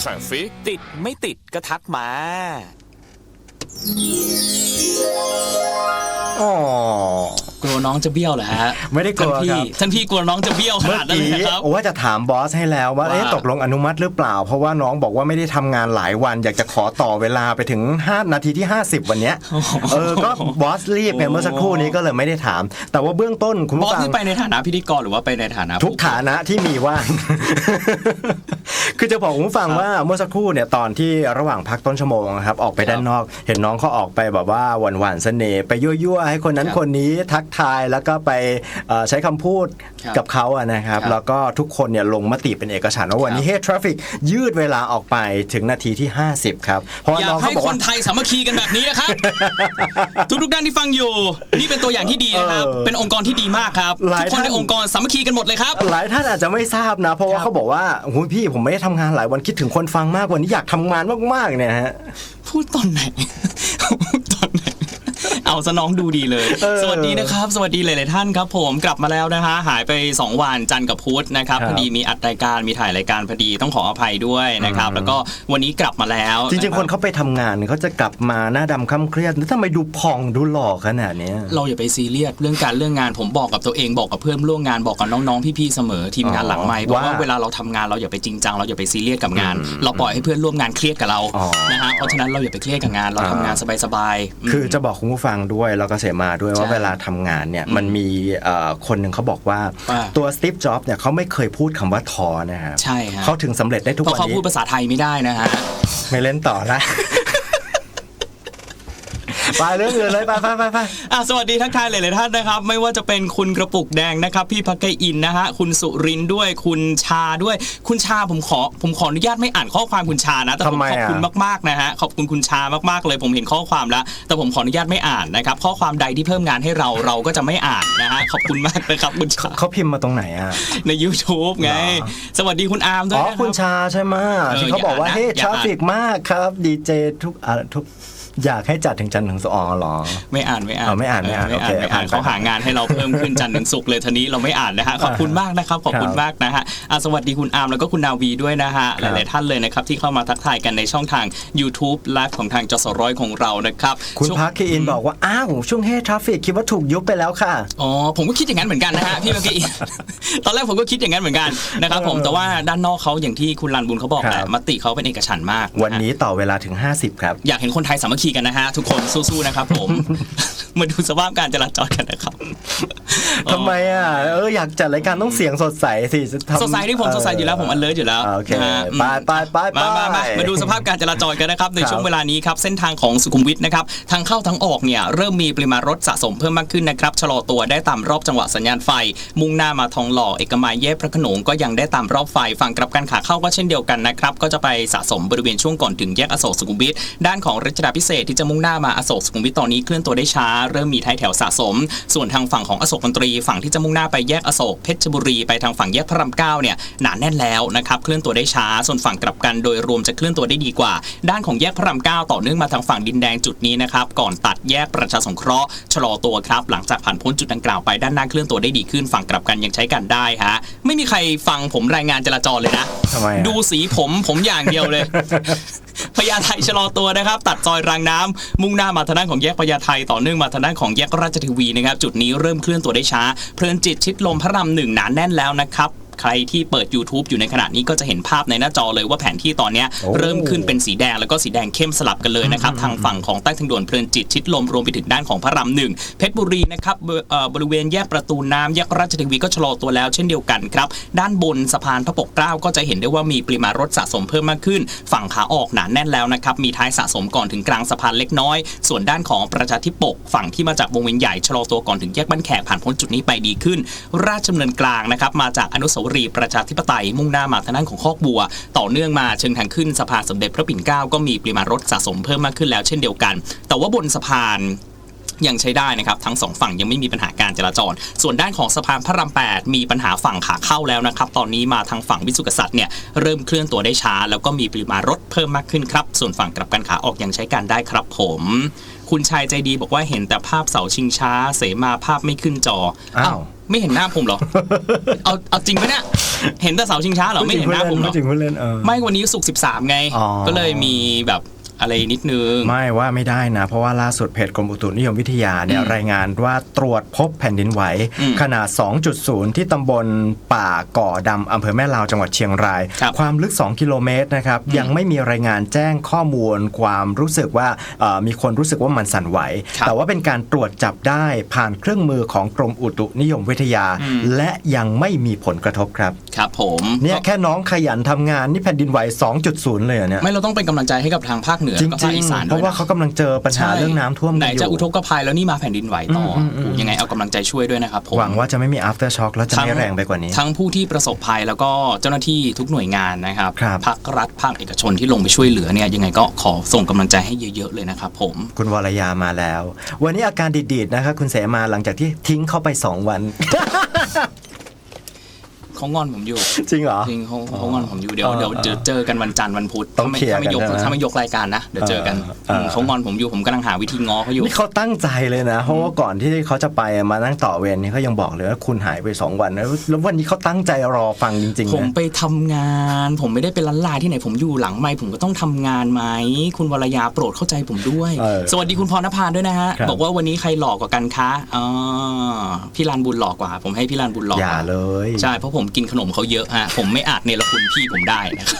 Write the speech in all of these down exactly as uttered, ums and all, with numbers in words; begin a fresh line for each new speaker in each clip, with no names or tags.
สั่งฟิกติดไม่ติดก็ทักมา
อ๋อ
กลัวน้องจะเบี้ยวเหรอฮะ
ไม่ได้กลัวครับ
ท่านพี่กลัวน้องจะเบี้ยวขนาดนั้นเลยนะครับ
ว่าจะถามบอสให้แล้วว่าเอ๊ะตกลงอนุมัติหรือเปล่าเพราะว่าน้องบอกว่าไม่ได้ทำงานหลายวันอยากจะขอต่อเวลาไปถึงห้านาทีที่ห้าสิบวันเนี้ยเออก็บอสรีบไงเมื่อสักครู่นี้ก็เลยไม่ได้ถามแต่ว่าเบื้องต้นคุณ
บอ
ผู้
ส
ฟัง
นี่ไปในฐานะพิธีกรหรือว่าไปในฐานะ
ทุกฐานะที่มีว่าง คือจะบอกคุณผู้ฟังว่าเมื่อสักครู่เนี่ยตอนที่ระหว่างพักต้นชั่วโมงครับออกไปด้านนอกเห็นน้องเขาออกไปแบบว่าหวานๆเสน่ห์ไปยั่วๆให้คนนั้นคนนี้ทักทายแล้วก็ไปใช้คำพูดกับเขาอะนะครับแล้วก็ทุกคนเนี่ยลงมติเป็นเอกฉันท์ว่าวันนี้ Hey Traffic ยืดเวลาออกไปถึงนาทีที่ห้าสิบครับเพราะว่า
อยา
น้อก งเขา
ให้
บอก
ค
ว่าน
ไทยสามัคคีกันแบบนี้นะครับ ทุกทุกๆด้านที่ฟังอยู่นี่เป็นตัวอย่างที่ดีนะครับเป็นองค์กรที่ดีมากครับทุกคนในองค์กรสามัคคีกันหมดเลยครับ
หลายท่านอาจจะไม่ทราบนะเพราะว่าเขาบอกว่าโอ้ยพี่ผมไม่ได้ทำงานหลายวันคิดถึงคนฟังมากวันนี้อยากทำงานมากๆเนี่ยฮะ
พูดตอนไหน พูดตอนไหนเอาซะน้องดูดีเลยสวัสดีนะครับสวัสดีหลายๆท่านครับผมกลับมาแล้วนะคะหายไปสองวันจันทร์กับพุธนะครับพอดีมีอัดรายการมีถ่ายรายการพอดีต้องขออภัยด้วยนะครับแล้วก็วันนี้กลับมาแล้ว
จริงๆคนเขาไปทำงานเขาจะกลับมาหน้าดำค่ำเครียดแล้วทำไมดูผ่องดูหล่อขนาดนี้
เราอย่าไปซีเรียสเรื่องการเรื่องงานผมบอกกับตัวเองบอกกับเพื่อนร่วมงานบอกกับน้องๆพี่ๆเสมอทีมงานหลังไมค์เพราะว่าเวลาเราทำงานเราอย่าไปจริงจังเราอย่าไปซีเรียสกับงานเราปล่อยให้เพื่อนร่วมงานเครียดกับเรานะฮะเพราะฉะนั้นเราอย่าไปเครียดกับงานเราทำงานสบายๆ
คือจะบอกคุณผู้ฟังด้วยแล้วก็เสมาด้วยว่าเวลาทำงานเนี่ยมันมีคนหนึ่งเขาบอกว่าตัวสตีฟจ็อบส์เนี่ยเขาไม่เคยพูดคำว่าท้อนะครับ
ใช่ฮะ
เขาถึงสำเร็จได้ทุกวันนี้
เพราะเขาพูดภาษาไทยไม่ได้นะฮะ
ไม่เล่นต่อละไปเรื่องอื่นเลยไปไปไปไป
อ่ะสวัสดีทักทายหลายๆท่านนะครับไม่ว่าจะเป็นคุณกระปุกแดงนะครับพี่พักไกอินนะฮะคุณสุรินด้วยคุณชาด้วยคุณชาผมขอผมขออนุญาตไม่อ่านข้อความคุณชานะแต่ผมขอบคุณมากๆนะฮะขอบคุณคุณชามากๆเลยผมเห็นข้อความแล้วแต่ผมขออนุญาตไม่อ่านนะครับข้อความใดที่เพิ่มงานให้เราเราก็จะไม่อ่านนะฮะขอบคุณมากนะครับคุณชา
เขาพิมพ์มาตรงไหนอ่ะ
ใน YouTube ไงสวัสดีคุณอาร์มด้วย
อ๋อคุณชาใช่ไหมที่เขาบอกว่าเฮ้ยทราฟฟิกมากครับดีเจทุกอ่ะทุกอยากให้จัดถึงจันทร์ถึงศุกร์หรอ
ไม่อ่านไม่อ่าน
ไม่อ่านไม่อ่าน
ไม่อ่านไม่อ่านเขาหางานให้เราเพิ่มขึ้นจันทร์ถึงศุกร์เลยทีนี้เราไม่อ่านนะฮะขอบคุณมากนะครับขอบคุณมากนะฮะสวัสดีคุณอาร์มแล้วก็คุณนาวีด้วยนะฮะหลายๆท่านเลยนะครับที่เข้ามาทักทายกันในช่องทาง YouTube ไลฟ์ของทางจสร้อยของเรานะครับ
คุณพักคีอินบอกว่าอ้าวช่วงเฮทราฟฟิกคิดว่าถูกยุบไปแล้วค่ะ
อ๋อผมก็คิดอย่างนั้นเหมือนกันนะฮะพี่พักคีอินตอนแรกผมก็คิดอย่างนั้นเหมือนกันนะครับผมแต่ว่าด้านนอกเขาอย่างที่คุณรันบุญเขาบอกแหละมติเขาเป็นเอกฉันท์มาก
วันนี้ต่อเวลาถึงห้าสิบครับ
อยากเห็นคนไทยสามัคคีกันนะฮะทุกคนสู้ๆนะครับผมมาดูสภาพการจราจรกันนะครับ
ทำไมอ่ะเอออยากจัดรายการต้องเสียงสดใสสิ
สดใสที่ผมสดใสอยู่แล้วผมอันเลิศอยู่แล้ว
โอเคไปไปไป
มามามามาดูสภาพการจราจรกันนะครับในช่วงเวลานี้ครับเส้นทางของสุขุมวิทนะครับทางเข้าทั้งออกเนี่ยเริ่มมีปริมาณรถสะสมเพิ่มมากขึ้นนะครับชะลอตัวได้ตามรอบจังหวะสัญญาณไฟมุ่งหน้ามาทองหล่อเอกมัยแยกพระโขนงก็ยังได้ตามรอบไฟฝั่งกลับกันขาเข้าก็เช่นเดียวกันนะครับก็จะไปสะสมบริเวณช่วงก่อนถึงแยกอโศกสุขุมวิทด้านของรัชดาภิเษกที่จะมุ่งหน้ามาอโศกสุขุมวิทตอนนี้เคลื่อนตัวได้ช้าเริ่มมีท้ายแถวสะสมส่วนทางฝั่งของอโศกมนตรีฝั่งที่จะมุ่งหน้าไปแยกอโศกเพชรบุรีไปทางฝั่งแยกพระรามเก้าเนี่ยหนาแน่นแล้วนะครับเคลื่อนตัวได้ช้าส่วนฝั่งกลับกันโดยรวมจะเคลื่อนตัวได้ดีกว่าด้านของแยกพระรามเก้าต่อเนื่องมาทางฝั่งดินแดงจุดนี้นะครับก่อนตัดแยกประชาสงเคราะห์ชะลอตัวครับหลังจากผ่านพ้นจุดดังกล่าวไปด้านหน้าเคลื่อนตัวได้ดีขึ้นฝั่งกลับกันยังใช้กันได้ฮะไม่มีใครฟังผมรายงานจราจรเลยนะดูสีผมผมอย่างเดียวเลยพญาไทชะลอตัวนะครับตัดซอยรางน้ำมุ่งหน้ามาทางด้านของแยกพญาไทต่อเนื่องมาทางด้านของแยกราชเทวีนะครับจุดนี้เริ่มเคลื่อนตัวได้ช้าเพลินจิตชิดลมพระรามหนึ่งหนาแน่นแล้วนะครับใครที่เปิด YouTube อยู่ในขณะนี้ก็จะเห็นภาพในหน้าจอเลยว่าแผนที่ตอนนี้เริ่มขึ้นเป็นสีแดงแล้วก็สีแดงเข้มสลับกันเลยนะครับทางฝั่งของใต้ทางด่วนเพลินจิตชิดลมรวมไปถึงด้านของพระรามหนึ่งเพชรบุรีนะครับบริเวณแยกประตูน้ำแยกราชเทวีก็ชะลอตัวแล้วเช่นเดียวกันครับด้านบนสะพานพระปกเกล้าก็จะเห็นได้ว่ามีปริมาณรถสะสมเพิ่มมากขึ้นฝั่งขาออกหนาแน่นแล้วนะครับมีท้ายสะสมก่อนถึงกลางสะพานเล็กน้อยส่วนด้านของประชาธิปกฝั่งที่มาจากวงเวียนใหญ่ชะลอตัวก่อนถึงแยกบ้านแขกผ่านพ้นจุดนี้ไปดีขึ้นราชดำเนินกลางนะครับมาจากอนุสาวรีย์ประชาธิปไตยมุ่งหน้ามาทางด้านของคอกบัวต่อเนื่องมาเชิงทางขึ้นสะพานสมเด็จพระปิ่นเกล้าก็มีปริมาณรถสะสมเพิ่มมากขึ้นแล้วเช่นเดียวกันแต่ว่าบนสะพานยังใช้ได้นะครับทั้งสองฝั่งยังไม่มีปัญหาการจราจรส่วนด้านของสะพานพระรามแปดมีปัญหาฝั่งขาเข้าแล้วนะครับตอนนี้มาทางฝั่งวิสุทธิกษัตริย์เนี่ยเริ่มเคลื่อนตัวได้ช้าแล้วก็มีปริมาณรถเพิ่มมากขึ้นครับส่วนฝั่งกลับกันขาออกยังใช้การได้ครับผมคุณชายใจดีบอกว่าเห็นแต่ภาพเสาชิงช้าเสมาภาพไม่ขึ้นจอ
อ้าว
ไม่เห็นหน้าผมเหรอ เอาเอาจริงไหมเนี่ยเห็นแต่เสาชิงช้าเหรอไม่เห็นหน้าผมเหรอ
ไม่จริงพูดเล่นเออ
ไม่วันนี้ศุกร์สิบสามไง
อ๋อ
ก็เลยมีแบบอะไรนิดนึง
ไม่ว่าไม่ได้นะ เพราะว่าล่าสุดเพจกรมอุตุนิยมวิทยาเนี่ย
อืม
รายงานว่าตรวจพบแผ่นดินไหว
อืม
ขนาด สองจุดศูนย์ ที่ตำบลป่าก่อดำอำเภอแม่ลาวจังหวัดเชียงราย
ครับ
ความลึก สอง กิโลเมตรนะครับ
อืม
ยังไม่มีรายงานแจ้งข้อมูลความรู้สึกว่าเอ่อมีคนรู้สึกว่ามันสั่นไหว
ครับ
แต่ว่าเป็นการตรวจจับได้ผ่านเครื่องมือของกรมอุตุนิยมวิทยา
อืม
และยังไม่มีผลกระทบครับ
ครับผม
เนี่ยแค่น้องขยันทำงานนี่แผ่นดินไหว สองจุดศูนย์ เลยเหรอเนี่ย
ไม่เราต้องเป็นกำลังใจให้กับทางภาคเหนือ
จ
แล้วก็ภาค
ริง
อีสาน
ๆ เพ
ด้วย
ราะว่า
นะ
เขากำลังเจอปัญหาเรื่องน้ำท่วม
ไหน
กันอยู่
จะอุทกภัยแล้วนี่มาแผ่นดินไหวต่ออ
มอืม
ยังไงเอากำลังใจช่วยด้วยนะครับผม
หวังว่าจะไม่มี after shock แล้วจะไม่แรงไปกว่านี้
ทั้งผู้ที่ประสบภัยแล้วก็เจ้าหน้าที่ทุกหน่วยงานนะครับ
ครับ
ภาครัฐภาคเอกชนที่ลงไปช่วยเหลือเนี่ยยังไงก็ขอส่งกำลังใจให้เยอะๆเลยนะครับผม
คุณวรยามาแล้ว วันนี้อาการดีดๆนะครับคุณเสมาหลังจากที่ทิ้งเข้าไปสองวัน
เขางอนผมอยู่
จริงเหรอ
จริงเขาเขางอนผมอยู่เดี๋ยว
เออ
เดี๋ยวเจอเจอกันวันจันทร์วันพุธ
ต้อง
ถ้าไม่
เคลียร์
ถ้าไม่ยก
กันใช่ไหม
ถ้าไม่ยกรายการนะเดี๋ยวเจอกัน
เออ
มเขางอนผมอยู่ผมกำลังหาวิธีง้อเขาอยู่
นี่เขาตั้งใจเลยนะ เพราะว่าก่อนที่เขาจะไปมานั่งต่อเวรนี่เขายังบอกเลยว่าคุณหายไปสองวันนะแล้ววันนี้เขาตั้งใจรอฟังจริง
ผ
ๆ
ม
นะ
ไปทำงาน ผมไม่ได้เป็นล้านลาที่ไหนผมอยู่หลังไมค์ผมก็ต้องทำงานไหมคุณวรยาโปรดเข้าใจผมด้วย
เออ
สวัสดีคุณพรณภาด้วยนะฮะ
ครับ
บอกว่าวันนี้ใครหล่อกว่ากันคะอ๋อพี่ลานบุญหล่อกว่า ผมให้พี่ลานบุญหล่อก
อย่า
ว่า
เลย
ใช่เพราะผมกินขนมเขาเยอะฮะผมไม่อาจเนรคุณพี่ผมได้นะครับ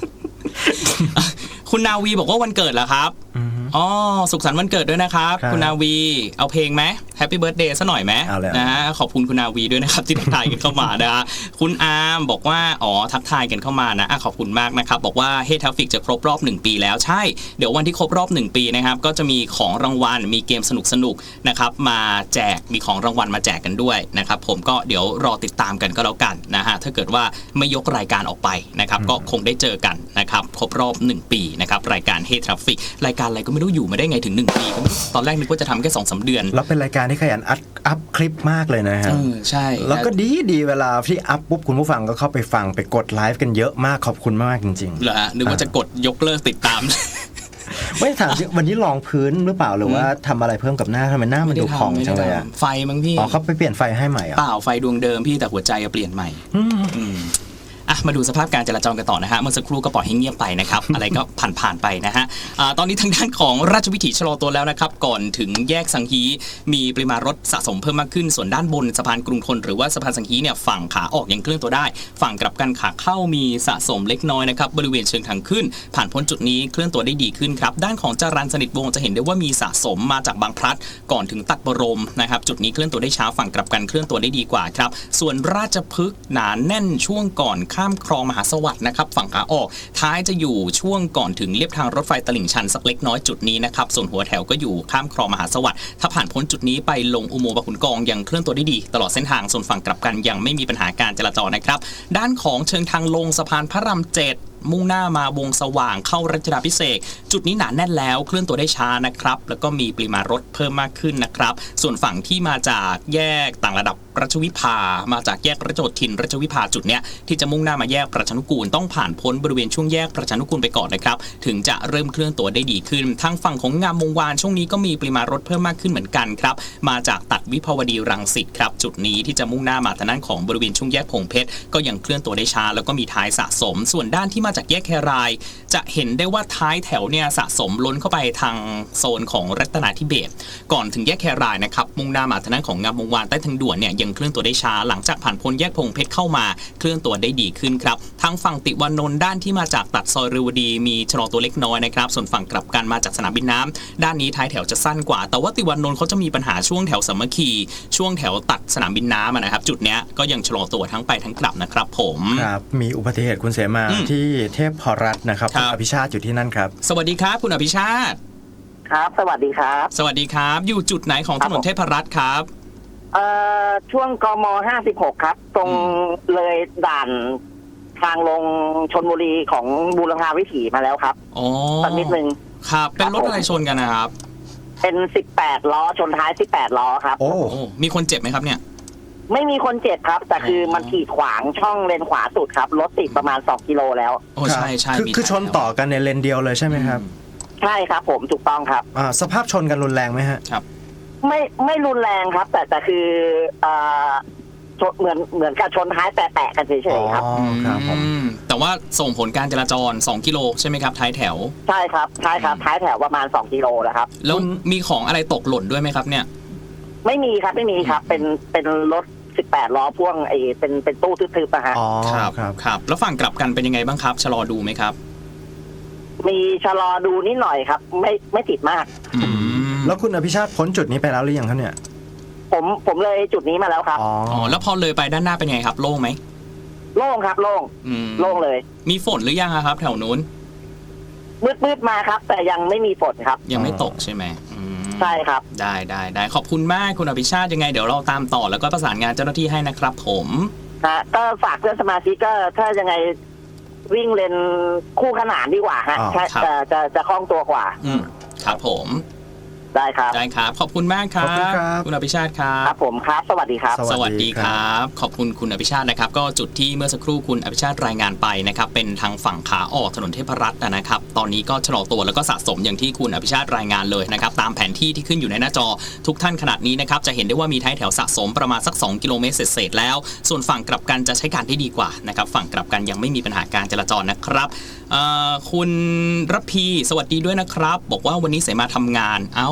คุณนาวีบอกว่าวันเกิดเหรอครับ
อือฮึ
อ๋อสุขสันต์วันเกิดด้วยนะครับ
ครับ
คุณนาวีเอาเพลงไหมแฮปปี้เบิร์ดเดย์ซะหน่อยไหม
เอาเลย
นะฮะขอบคุณคุณนาวีด้วยนะครับ ที่ทักทายกันเข้ามานะฮะคุณอาร์มบอกว่าอ๋อทักทายกันเข้ามานะอ่ะขอบคุณมากนะครับบอกว่าเฮทัฟฟิกจะครบรอบหนึ่งปีแล้วใช่เดี๋ยววันที่ครบรอบหนึ่งปีนะครับก็จะมีของรางวัลมีเกมสนุกๆนะครับมาแจกมีของรางวัลมาแจกกันด้วยนะครับผมก็เดี๋ยวรอติดตามกันก็แล้วกันนะฮะถ้าเกิดว่าไม่ยกรายการออกไปนะครับก็คงได้เจอกันนะครับครบรอบหนึ่งปีนะครับรายการเฮทัฟฟิกรายการอะไรก็ไม่รู้อยู่มาได้ไงถึงหนึ่งปีก็ไม่รู้ตอนแรกนึกว่าจะทำแค่สองสามเดือน
แล้วเป็นรายการที่ขยันอัพอัพคลิปมากเลยนะฮะ
เออใช่
แล้วก็ดีดีเวลาที่อัพปุ๊บคุณผู้ฟังก็เข้าไปฟังไปกดไลฟ์กันเยอะมากขอบคุณมากจริง
เหรอฮะนึกว่าจะกดยกเลิกติดตาม
ๆ ไม่ถามจริงวันนี้ลองพื้นหรือเปล่าหรือว่าทำอะไรเพิ่มกับหน้าทำไมหน้ามันดูผ่องจังเลยอะ
ไฟมั้งพี่
อ๋อเขาไปเปลี่ยนไฟให้ใหม่เหร
เป
อ่ะ
ล่าไฟดวงเดิมพี่แต่หัวใจอะเปลี่ยนใหม่ อืมอ่ะมาดูสภาพการจราจรกันต่อนะฮะเมื่อสักครู่ก็ปล่อยให้เงียบไปนะครับ อะไรก็ผ่านๆไปนะฮะอ่าตอนนี้ทางด้านของราชวิถีชะลอตัวแล้วนะครับก่อนถึงแยกสังฮีมีปริมาณรถสะสมเพิ่มมากขึ้นส่วนด้านบนสะพานกรุงทนหรือว่าสะพานสังฮีเนี่ยฝั่งขาออกยังเคลื่อนตัวได้ ฝั่งกลับกันขาเข้ามีสะสมเล็กน้อยนะครับบริเวณเชิงทางขึ้น ผ่านพ้นจุดนี้เคลื่อนตัวได้ดีขึ้นครับด้านของจรัญสนิทวงศ์จะเห็นได้ว่ามีสะสมมาจากบางพลัดก่อนถึงตัดบรมนะครับจุดนี้เคลื่อนตัวได้ช้าฝั่งกลับกันเคลื่อนตัวได้ดีกว่าครับส่วนราชพฤกษ์หนาแน่นช่วงก่อนข้ามคลองมหาสวัสดิ์นะครับฝั่งขาออกท้ายจะอยู่ช่วงก่อนถึงเลียบทางรถไฟตลิ่งชันสักเล็กน้อยจุดนี้นะครับส่วนหัวแถวก็อยู่ข้ามคลองมหาสวัสดิ์ถ้าผ่านพ้นจุดนี้ไปลงอุโมงค์บางขุนกองยังเคลื่อนตัวได้ดีตลอดเส้นทางส่วนฝั่งกลับกันยังไม่มีปัญหาการจราจรนะครับด้านของเชิงทางลงสะพานพระรามเจ็ดมุ่งหน้ามาวงสว่างเข้ารัชดาภิเษกจุดนี้หนาแน่นแล้วเคลื่อนตัวได้ช้านะครับแล้วก็มีปริมาณรถเพิ่มมากขึ้นนะครับส่วนฝั่งที่มาจากแยกต่างระดับรัชวิภามาจากแยกรัชโยธินรัชวิภาจุดเนี้ยที่จะมุ่งหน้ามาแยกประชานุกูลต้องผ่านพ้นบริเวณช่วงแยกประชานุกูลไปก่อนนะครับถึงจะเริ่มเคลื่อนตัวได้ดีขึ้นทางฝั่งของงามวงวานช่วงนี้ก็มีปริมาณรถเพิ่มมากขึ้นเหมือนกันครับมาจากตัดวิภาวดีรังสิตครับจุดนี้ที่จะมุ่งหน้ามาทางด้านของบริเวณช่วงแยกพงเพชรก็ยังเคลื่อนตัวได้ช้าแล้วก็มีท้ายสะสม ส่วนด้านที่มาจากแยกแครายจะเห็นได้ว่าท้ายแถวเนี่ยสะสมล้นเข้าไปทางโซนของรัตนาธิเบศรก่อนถึงแยกแครายนะครับมุ่งหน้ามาทางด้านของงามวงวานใต้ทางด่วนเนี่ยยังเคลื่อนตัวได้ช้าหลังจากผ่านพ้นแยกพงเพชรเข้ามาเคลื่อนตัวได้ดีขึ้นครับทางฝั่งติวานนท์ด้านที่มาจากตัดซอยเรวดีมีชะลอตัวเล็กน้อยนะครับส่วนฝั่งกลับกันมาจากสนามบินน้ำด้านนี้ท้ายแถวจะสั้นกว่าแต่ว่าติวานนท์เขาจะมีปัญหาช่วงแถวสามัคคีช่วงแถวตัดสนามบินน้ำนะครับจุดเนี้ยก็ยังชะลอตัวทั้งไปทั้งกลับนะครับผม
ครับมีอุบัติเหตุคุณเสมา
อืม
ที่เทพพรัตน์นะครับ
ครั
คุณ
บ
อภิชาติอยู่ที่นั่นครับ
สวัสดีครับคุณอภิชาติ
ครับ สวัสดีครับ
สวัสดีครับ อยู่จุดไหนของถนนเทพรัตน์ครับ
เอ่อ ช่วงกมห้าสิบหกครับ ตรงเลยด่านทางลงชลบุรีของบูรพาวิถีมาแล้วครับ
อ๋อ
สักนิดนึง
ครับ เป็นรถอะไรชนกันนะครับ
เป็นสิบแปดล้อชนท้ายสิบแปดล้อครับ
โอ้
โอ้ มีคนเจ็บไหมครับเนี่ย
ไม่มีคนเจ็บครับ แต่คือมันขีดขวางช่องเลนขวาสุดครับ รถติดประมาณสองกิโลแล้ว
โอ้ ใช่ใช่
คือ
มี
คือชน
ท้ายแถว
ต่อกันในเลนเดียวเลยใช่ไหมครับ
ใช่ครับผมถูกต้องครับ
อ่าสภาพชนกันรุนแรงไหมฮะ
ไม่ไม่รุนแรงครับ แต่แต่คือเอ่อชนเหมือนเหมือนกับชนท้ายแตะๆกันเฉยๆครับ
อ๋อครับผม
อืมแต่ว่าส่งผลการจราจรสองกิโลใช่ไหมครับท้ายแถว
ใช่ครับใช่ครับท้ายแถวประมาณสองกิโลนะครับ
แล้วมีของอะไรตกหล่นด้วยไหมครับเนี่ย
ไม่มีครับไม่มีครับ เป็นเป็นรถสิบแปดล้อพ่วงไอ้เป็นเป็นตู้ทึบๆนะฮะ
อ๋อ
ครับ
ครับ
ครับ แล้วฝั่งกลับกันเป็นยังไงบ้างครับชะลอดูไหมครับ
มีชะลอดูนิดหน่อยครับ ไม่ไม่ติดมาก
อืม
แล้วคุณอภิชาติพ้นจุดนี้ไปแล้วหรือยังครับเนี่ย
ผมผมเลยจุดนี้มาแล้วครับ
อ๋อ
อ๋อแล้วพอเลยไปด้านหน้าเป็นไงครับโล่งไหม
โล่งครับโล่ง
อืม
โล่งเลย
มีฝนหรือยังอะครับ แถวนู้น
มืดมืดๆมาครับ แต่ยังไม่มีฝนครับ
ยังไม่ตกใช่ไหมอืม
ใช่ครับ
ได้ได้ได้ขอบคุณมากคุณอภิชาติยังไงเดี๋ยวเราตามต่อแล้วก็ประสานงานเจ้าหน้าที่ให้นะครับผม
ฮะก็ฝากเพื่อนสมาชิกก็ถ้ายังไงวิ่งเลนคู่ขนานดีกว่าฮะ
อ๋อ
ใช่จะจะจะคล่องตัวกว่า
อืมครับผม
ได้ครับ
ได้ครับ ขอบคุณมากครั
ขอบคุณครับ
คุณอภิชาติครั
ครับ บผมครับ สวัสดีครับ
ส
ส
วั
วั
ส
ส
ดี
ดี
ค
ค
รั
รับ บ ขอบคุณคุณอภิชาตินะครับ ก็จุดที่เมื่อสักครู่คุณอภิชาติรายงานไปนะครับเป็นทางฝั่งขาออกถนนเทพรัตน์นะครับตอนนี้ก็ชะลอตัวแล้วก็สะสมอย่างที่คุณอภิชาติรายงานเลยนะครับตามแผนที่ที่ขึ้นอยู่ในหน้าจอทุกท่านขนาดนี้นะครับจะเห็นได้ว่ามีท้ายแถวสะสมประมาณสักสองกิโลเมตรเศษๆแล้ว ส่วนฝั่งกลับกันจะใช้การได้ดีกว่านะครับฝั่งกลับกันยังไม่มีปัญหาการจราจรนะครับเอ่อคุณระพีสวัสดีด้วยนะครับ บอกว่าวันนี้เสมาทำงานเอ้า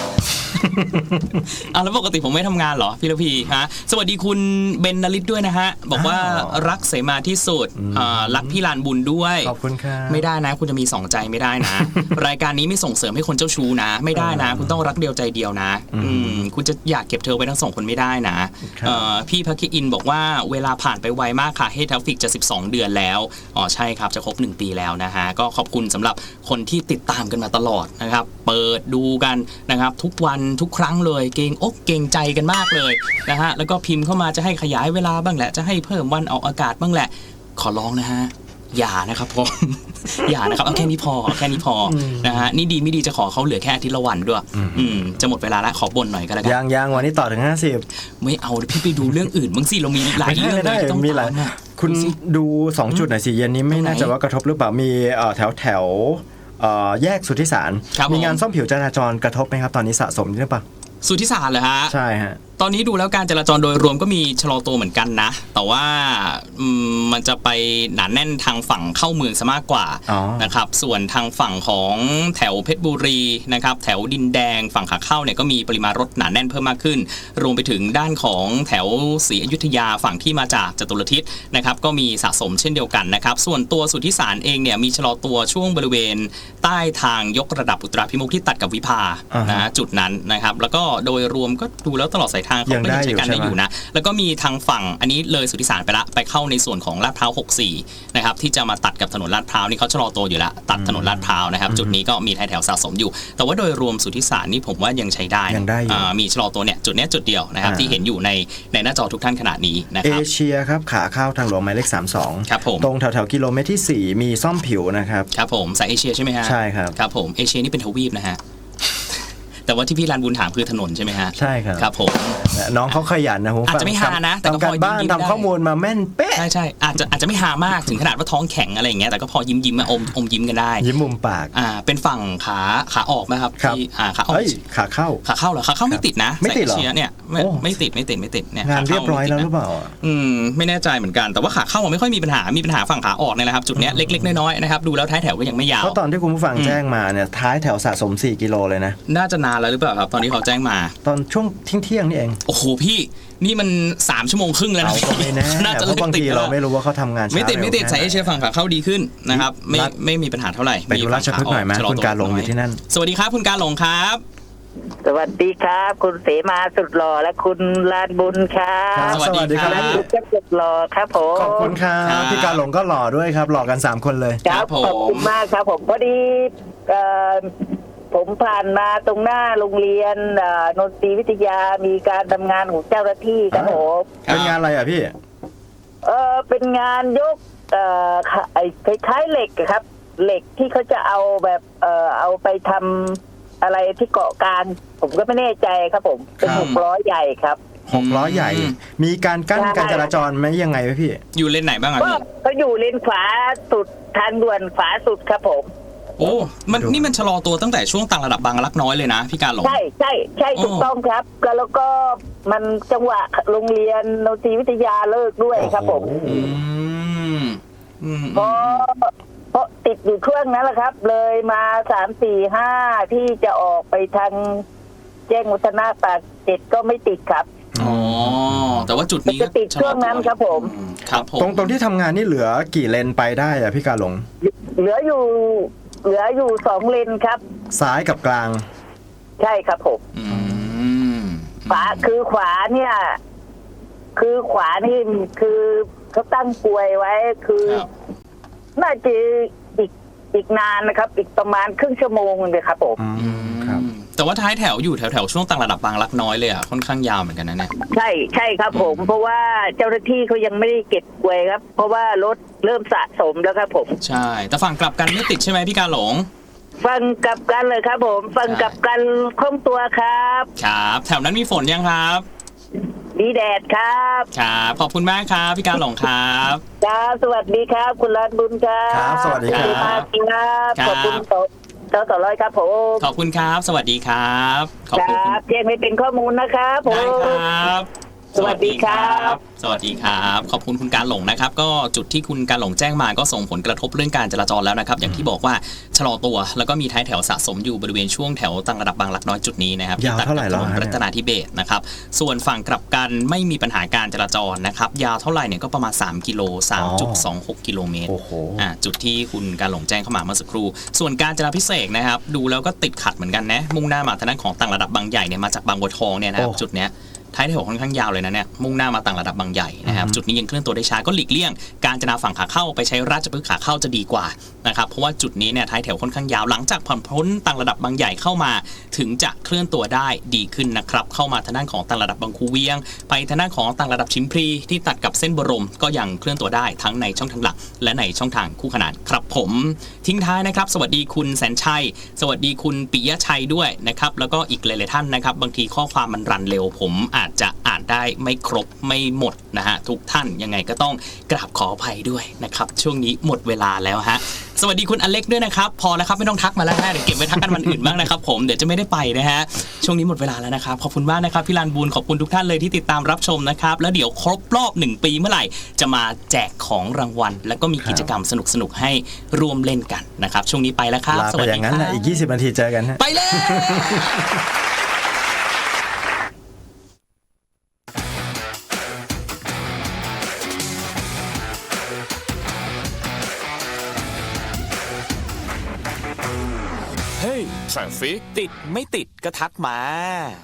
อ่ะแล้วปกติผมไม่ทำงานเหรอพี่ระพีฮะสวัสดีคุณเบนนลิตด้วยนะฮะบอกว่า
อ้าว
รักเสมาที่สุด
อืม
อ่ารักพี่ลานบุญด้วย
ขอบคุณครับ
ไม่ได้นะคุณจะมีสองใจไม่ได้นะ รายการนี้ไม่ส่งเสริมให้คนเจ้าชู้นะ ไม่ได้นะ คุณต้องรักเดียวใจเดียวนะ
อืม
อืมคุณจะอยากเก็บเธอไว้ทั้งสองคนไม่ได้นะครับ เอ่อพี่พักคิอินบอกว่าเวลาผ่านไปไวมากค่ะเฮทราฟิกจะสิบสองเดือนแล้วอ๋อใช่ครับจะครบหนึ่งปีแล้วนะฮะก็ขอบคุณสำหรับคนที่ติดตามกันมาตลอดนะครับเปิดดูกันนะครับทุกวันทุกครั้งเลยเกรงอกเกรงใจกันมากเลยนะฮะแล้วก็พิมพ์เข้ามาจะให้ขยายเวลาบ้างแหละจะให้เพิ่มวันออกอากาศบ้างแหละขอร้องนะฮะอย่านะครับผม อย่านะครับเอาแค่นี้พอเอาแค่นี้พออนะฮะนี่ดีไม่ดีจะขอเขาเหลือแค่อาทิตย์ละวันด้วยอืมจะหมดเวลาแล้วขอบ่นหน่อยก็แล้วกัน
ยังยังวันนี้ต่อถึงห้าสิบ
ไม่เอาเดี๋ยวพี่ไปดูเรื่องอื่นบ้างสิเรามีหลาย
ไม่ได้
เรื่อง
ไม่
เล
ได้
ยที่ต้อง
มีหลาย
ตามอะ
คุณ
ดูสิ
ดูสองจุดหน่อยสิเย็นนี้ไม่
ตรงไหน
น่าจะว่ากระทบหรือเปล่ามีเอ่อแถวแถวเอ่อแยกสุทธิสาร
ครับ
มีงาน
ผม
ซ่อมผิวจราจรกระทบไหมครับตอนนี้สะสมหรือเปล่า
สุทธิสารเหรอฮะ
ใช่ฮะ
ตอนนี้ดูแล้วการจราจรโดยรวมก็มีชะลอตัวเหมือนกันนะ แต่ว่าอืมมันจะไปหนาแน่นทางฝั่งเข้าเมืองซะมากกว่า
อ๋อ
นะครับ ส่วนทางฝั่งของแถวเพชรบุรีนะครับ แถวดินแดงฝั่งขาเข้าเนี่ยก็มีปริมาณรถหนาแน่นเพิ่มมากขึ้น รวมไปถึงด้านของแถวศรีอยุธยาฝั่งที่มาจากจตุรทิศนะครับ ก็มีสะสมเช่นเดียวกันนะครับ ส่วนตัวสุทธิสารเองเนี่ยมีชะลอตัวช่วงบริเวณใต้ทางยกระดับอุตราพิมุขที่ตัดกับวิภา
อ่าฮะ
นะจุดนั้นนะครับ แล้วก็โดยรวมก็ดูแล้วตลอดสายทางเขา
ยัง
ก็
ได้
ยังใช้การ
อยู่
ได้
ใช่ไหม
อยู่นะ แล้วก็มีทางฝั่งอันนี้เลยสุทธิสารไปละไปเข้าในส่วนของลาดพร้าวหกสิบสี่นะครับที่จะมาตัดกับถนนลาดพร้าวนี่เขาชะลอตัวอยู่ละตัดถนนลาดพร้าวนะครับจุดนี้ก็มีท้ายแถวสะสมอยู่ แต่ว่าโดยรวมสุทธิสารนี่ผมว่ายังใช้ได้นะ
ยังได้อยู่
อ่ามีชะลอตัวเนี่ยจุดเนี้ยจุดเดียวนะครับ
อ่า
ที่เห็นอยู่ในในหน้าจอทุกท่านขณะนี้นะ
เอ
ครับ
เชียครับขาเข้าทางหลวงหมายเลขสามสิบสอง
ครับผม
ตรงแถวแถวๆกิโลเมตรที่สี่มีซ่อมผิวนะครับ
ครับผมสายเอเชียใช่ไหมฮะ
ใช่ครับ
ครับผมเอเชียนี่เป็นทวีปนะฮะ แต่ว่าที่พี่ลานบุญถามคือถนนใช่ไหมฮะ
ใช่ครับ
ครับผม
น้องเขาขยันนะผม
อาจจะไม่หานะแต่ก็
ทำการ
พอยิ้ม
บ้าน
ยิ้มได้
ทำข้อมูลมาแม่นเป๊ะ
ใช่ใช่อาจจะอาจจะไม่หามากถึงขนาดว่าท้องแข็งอะไรอย่างเงี้ยแต่ก็พอยิ้มยิ้มมาอมอมยิ้มกันได้
ยิ้มมุมปาก
อ่าเป็นฝั่งขาขาออกไหมครับ
ครับ
ที่อ่าขาออก
เอ้ยขาเข้า
ขาเข้าเหรอขาเข้าไม่ติดนะ
ไม่ติดเหรอ
สายเอเชียเนี่ยไม่
โอ้
ไม่ติดไม่ติดไม่ติดเนี่ย
งาน
ข
เรียบร้อย
ข้
แล้ว
ไม่
ห
ติดนะ
รือเปล่า
อืมไม่แน่ใจเหมือนกันแต่ว่าขาเข้าไม่ค่อยมีปัญหามีปัญหาฝั่งขาออกเนี่ยแหละครับจุดเนี้ยเล็กๆน้อยๆนะครับดูแล้วท้ายแถวก็ยังไม่ยาว
เพราะตอนที่คุณผู้ฟังแจ้งมาเนี่ยท้ายแถวสะสมสี่กิโลเลยนะ
น่าจะนานแล้วหรือเปล่าครับตอนนี้เขาแจ้งมา
ตอนช่วงเที่ยงๆนี่เอง
โอ้โหพี่นี่มันสามชั่วโมงครึ่งแล้ว
เรา
นะ
ก็ไม่แน่
น่าจะ
เพราะบาง
ติด
ที
แล้ว
เราไม่รู้ว่าเขาทำงานช้า
ไม่ติดไม่ติด
ร็ว
สายเอ
แค่หน
เชียฝั่งขาเข้าดีขึ้นนะครับไม่
รัฐ
ไม่มีปัญหาเท่าไหร่
ไปดูราชพฤกษ์หน่อยไหม
ฝั่งข
คุณการหลงอยู่ที่นั่น
สวัสดีครับคุณการหลงครับ
สวัสดีครับ คุณเสมาสุดหล่อและคุณลานบุญครับ
ครับ
สวัสดีครับ
และคุณเจ้าสุดหล่อครับผม
ขอบคุณครั
ครับ บ
พี่การหลงก็หล่อด้วยครับ หล่อกันสามคนเลย
ครับ
ครับผม
ขอบคุณมากครับผมพอดีเอ่อผมผ่านมาตรงหน้าโรงเรียนเอ่อนนทรีวิทยามีการทำงานของเจ้าหน้าที่ครับผม
เป็นงานอะไรอ่ะพี่
เออเป็นงานยกเอ่อไอ้คล้ายๆเหล็กอะครับ เหล็กที่เขาจะเอาแบบเอ่อเอาไปทำอะไรที่เกาะกลางผมก็ไม่แน่ใจครับผมเป็น
ครับ
หกล้อใหญ่ครับ
หกล้อใหญ่ มีการกั้น
ใช่
การจราจรไหมยังไงไหมพี่
อยู่เลนไหนบ้างอะ
ก็
พี่
เขาอยู่เลนขวาสุดทางด่วนขวาสุดครับผม
โอ้มันนี่มันชะลอตัวตั้งแต่ช่วงต่างระดับบางรักน้อยเลยนะพี่การหลง
ใช่ใช่ใช่ถูกต้องครับก็แล้วก็มันจังหวะโรงเรียนดนตรีวิทยาเลิกด้วยครับผม
อืมอืม
เพราะเพราะติดอยู่ช่วงนั้นแหละครับ เลยมาสามสี่ห้าที่จะออกไปทางแจ้งวัฒนะปากเจ็ดก็ไม่ติดครับ
อ๋อแต่ว่าจุดนี้
จะติดช่วงนั้นครับผม
อืมครับผม
ตรงตรงที่ทำงานนี่เหลือกี่เลนไปได้อะพี่กาหลง
เหลืออยู่ เหลืออยู่สองเลนครับ
ซ้ายกับกลาง
ใช่ครับผม
อืม
ขวาคือขวาเนี่ย คือขวานี่คือเขาตั้งกลวยไว้คือ
ครับ
น่าจะอีกอีกนานนะครับ อีกประมาณครึ่งชั่วโมงเลยครับผม
อืมครับ
แต่ว่าท้ายแถวอยู่แถวแถวๆช่วงต่างระดับบางรักน้อยเลยอ่ะค่อนข้างยาวเหมือนกันนะเนี่ย
ใช่ใช่ครับผม เพราะว่าเจ้าหน้าที่เขายังไม่ได้เก็บกลวยครับ เพราะว่ารถเริ่มสะสมแล้วครับผม
ใช่ แต่ฝั่งกลับกันไม่ติดใช่ไหมพี่การหลง
ฟังกลับกันเลยครับผม ฟังกลับกันคล่องตัวครับ
ครับ แถวนั้นมีฝนยังครับ
ดีแดดครับ
ครับขอบคุณมากครับพี่การหลงครับ
ครับสวัสดีครับ คุณรัตน์บุญครับ
ครับสวัสดีครับ
ขอบคุณมากครับ
ครับ
ขอบคุณต่อต่อต่อร้อยครับผม
ขอบคุณครับ สวัสดีครับขอบ
ค
คุณ
รับแจ้งให้เป็นข้อมูลนะครับผม
ได้ครับ
สวัสดีครับ
สวัสดีครับ ขอบคุณคุณการหลงนะครับ ก็จุดที่คุณการหลงแจ้งมาก็ส่งผลกระทบเรื่องการจราจรแล้วนะครับ อย่างที่บอกว่าชะลอตัวแล้วก็มีท้ายแถวสะสมอยู่บริเวณช่วงแถวต่างระดับบางหลักน้อยจุดนี้นะครับ
ยาวเท่าไหร่แล้ว
ตัดกับถนน
ฮะ
รัตนาธิเบศรนะครับ ส่วนฝั่งกลับกันไม่มีปัญหาการจราจรนะครับ ยาวเท่าไหร่เนี่ยก็ประมาณสามกิโล สามจุดสองหก กิโลเมตร
โอ้โห
อ่าจุดที่คุณการหลงแจ้งเข้ามาเมื่อสักครู่ ส่วนการจราพิเศษกนะครับ ดูแล้วก็ติดขัดเหมือนกันนะ มุ่งหน้ามาทางด้านของต่างระดับบางใหญ่เนี่ยมาจากบางบัวทองเนี่ยนะครับ
โอ้
จุดเนี้ยท้ายแถวค่อนข้างยาวเลยนะเนี่ยมุ่งหน้ามาต่างระดับบางใหญ่นะครับ จุดนี้ยังเคลื่อนตัวได้ช้าก็หลีกเลี่ยง การจราฝั่งขาเข้าไปใช้ราชพฤกษ์ขาเข้าจะดีกว่านะครับเพราะว่าจุดนี้เนี่ยท้ายแถวค่อนข้างยาวหลังจากผ่อนพ้นต่างระดับบางใหญ่เข้ามา ถึงจะเคลื่อนตัวได้ดีขึ้นนะครับเข้ามาทางด้านของต่างระดับบางคูเวียง ไปทางด้านของต่างระดับชิมพลีที่ตัดกับเส้นบรมก็ยังเคลื่อนตัวได้ทั้งในช่องทางหลัก และในช่องทางคู่ขนานครับผมทิ้งท้ายนะครับสวัสดีคุณแสนชัยสวัสดีคุณปิยะชัยด้วยนะครับแล้วก็อีกหลายๆท่านนะครับบางทีข้อความมันรันเร็วผมอาจจะอ่านได้ไม่ครบไม่หมดนะฮะทุกท่านยังไงก็ต้องกราบขออภัยด้วยนะครับช่วงนี้หมดเวลาแล้วฮะสวัสดีคุณอเล็กด้วยนะครับพอแล้วครับไม่ต้องทักมาแล้วฮะเดี๋ยวเก็บไว้ทักกันวันอื่นบ้างนะครับผมเดี๋ยวจะไม่ได้ไปนะฮะช่วงนี้หมดเวลาแล้วนะครับขอบคุณมากนะครับพี่ลานบูลขอบคุณทุกท่านเลยที่ติดตามรับชมนะครับแล้วเดี๋ยวครบรอบหนึ่งปีเมื่อไหร่จะมาแจกของรางวัล แล้วก็มีกิจกรรมสนุกๆให้ร่วมเล่นกันนะครับช่วงนี้ไปแล้วครับ
ลา
ส
ไป
วัส
อ
ดี
ย่าง
ค
นั้น
รั
นะ
บ
อีกยี่สิบนาทีเจอกันฮะ
ไปเลย
เฮ้ยทราฟิกติดไม่ติดก็ทักมา